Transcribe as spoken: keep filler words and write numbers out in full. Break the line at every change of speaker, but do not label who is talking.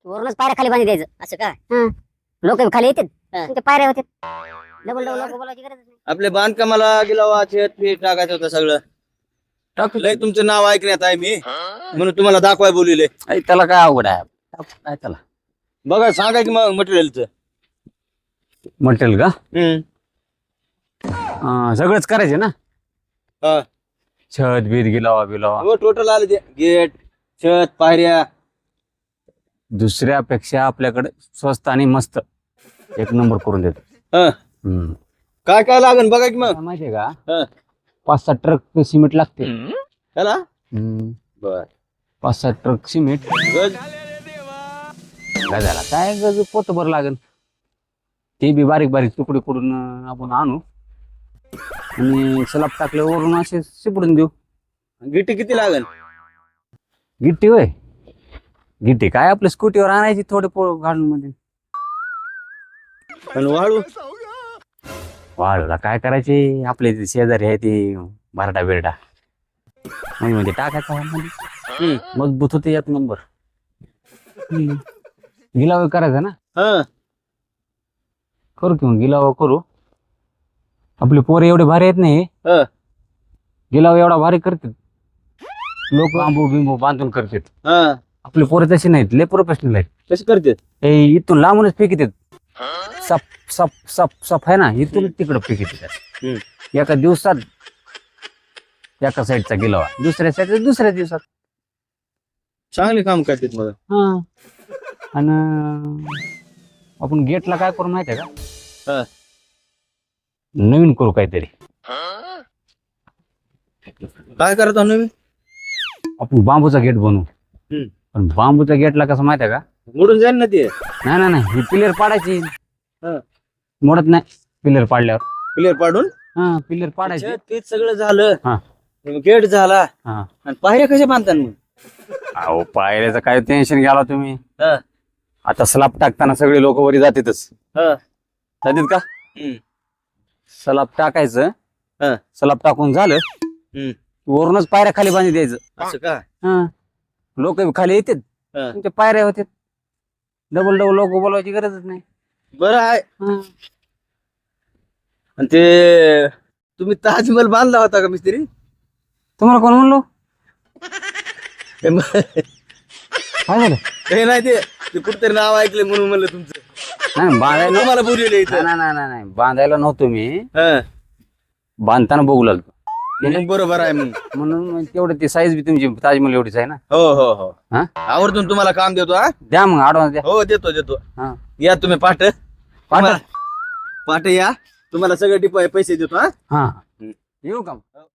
वरूनच पायऱ्या खाली बांधी द्यायचं असं का? लोक खाली येतात तुमच्या पायऱ्या होते डबल डबल लोक बोलायची गरज नाही.
आपल्या बांधकामाला गिलावा शेत पीठ टाकायचं होतं सगळं. लय तुमचं नाव ऐकण्यात आहे मी, म्हणून तुम्हाला दाखवाय बोलिले.
अरे त्याला काय अवघड आहे, टाक- काय त्याला
बघा सांगा की मग मटेरियलचं.
मटेरियल का?
हम्म.
अं, सगळंच करायचे ना,
हा.
छत बीत गिलावा बिलावा.
हो टोटल आले ते गेट छत पायऱ्या.
दुसऱ्यापेक्षा आपल्याकडे स्वस्त आणि मस्त एक नंबर करून देतो.
हा.
हम्म.
काय काय लागन बघा की मग.
काय माहितीये का,
हा.
पाच सात ट्रक सिमेंट लागते.
ह्याला
हम्म.
बर
पाच सात ट्रक सिमेंट
गज
काय झाला, काय गज पोतभर लागेल. ते बी बारीक बारीक तुकडे करून अं, आपण आणू आणि सलाब टाकले वरून असे शिपडून देऊ.
गिट्टी किती लागन.
गिट्टी होय, गिट्टी काय आपल्या स्कूटीवर आणायची थोडे पोळ घालून मध्ये.
आणि वाळू
वाळूला काय करायचे, आपले ते शेजारी आहे ते बारडा बिरडा म्हणजे मध्ये टाकायचा मध्ये. मजबूत होते एक नंबर. हम्म. गिलावा करायचा ना,
हा.
करू किंवा गिलावा करू. आपले पोरे एवढे भारी आहेत नाही,
हा.
गिलावा एवढा भारी करतात लोक, बांबू बिंबू बांधून करतात.
हा.
आपले पोरे तसे नाहीत, लय प्रोफेशनल आहेत.
कशी करते.
हे इथून लांबूनच फेकीत सप सप सप सप आहे ना, इथून तिकडं फेकीत एका दिवसात. एका साईडचा गिलावा दुसऱ्या साईडचा दुसऱ्या दिवसात.
चांगले काम करतात मग.
हा. आणि आपण गेटला काय करू माहितीये का,
हा.
नवीन करू काहीतरी.
काय करत आहो मी.
आपण बांबूचा गेट बनवू.
हम्म.
पण बांबूच्या गेटला कसं माहितीये का,
मोडून जाईल ना ते.
नाही नाही नाही ही पिलर पाडायची.
हा.
मोडत नाही पिलर पाडल्यावर.
क्लिअर पाडून
हा पिलर पाडायची.
छत पीठ सगळं झालं.
हा.
गेट झाला.
हा.
आणि पायऱ्या कशा बांधतात मग.
अहो पायऱ्याचं काय टेन्शन घ्याला तुम्ही.
हा.
आता स्लाब टाकताना सगळे लोक वरी जातातच.
हा.
जातात का.
हम्म.
स्लाब टाकायचं.
हा.
स्लाब टाकून झालं
हम्म.
वरूनच पायऱ्या खाली बांधी द्यायचं.
असं का.
हा. लोक खाली येतात
हा.
तुमच्या पायऱ्या होतात. डबल डबल लोक बोलवायची गरजच नाही.
बरं आहे.
हा.
आणि ते तुम्ही ताजमहल बांधला होता का मिस्त्री.
तुम्हाला कोण म्हणलो,
हे म-
काय झालं.
हे नाही ते ते कुठतरी नाव ऐकले म्हणून म्हणलं तुमचं.
नाही बांधायला
तुम्हाला बोलले इथं.
नाही नाही नाही नाही बांधायला नव्हतो मी,
हा.
बांधताना बघू लागलो
मग बरोबर आहे मग.
म्हणून मग तेवढं ती साईज बी तुमची ताजमहल एवढीच आहे ना.
हो हो हो.
हा
आवर्जून तुम्हाला काम देतो. हा.
द्या मग ऍडव्हान्स द्या.
हो देतो देतो.
हा
या तुम्ही पाठ
पाठवा.
पाठ या तुम्हाला सगळे डिपॉ पैसे देतो. हा.
हा येऊ का.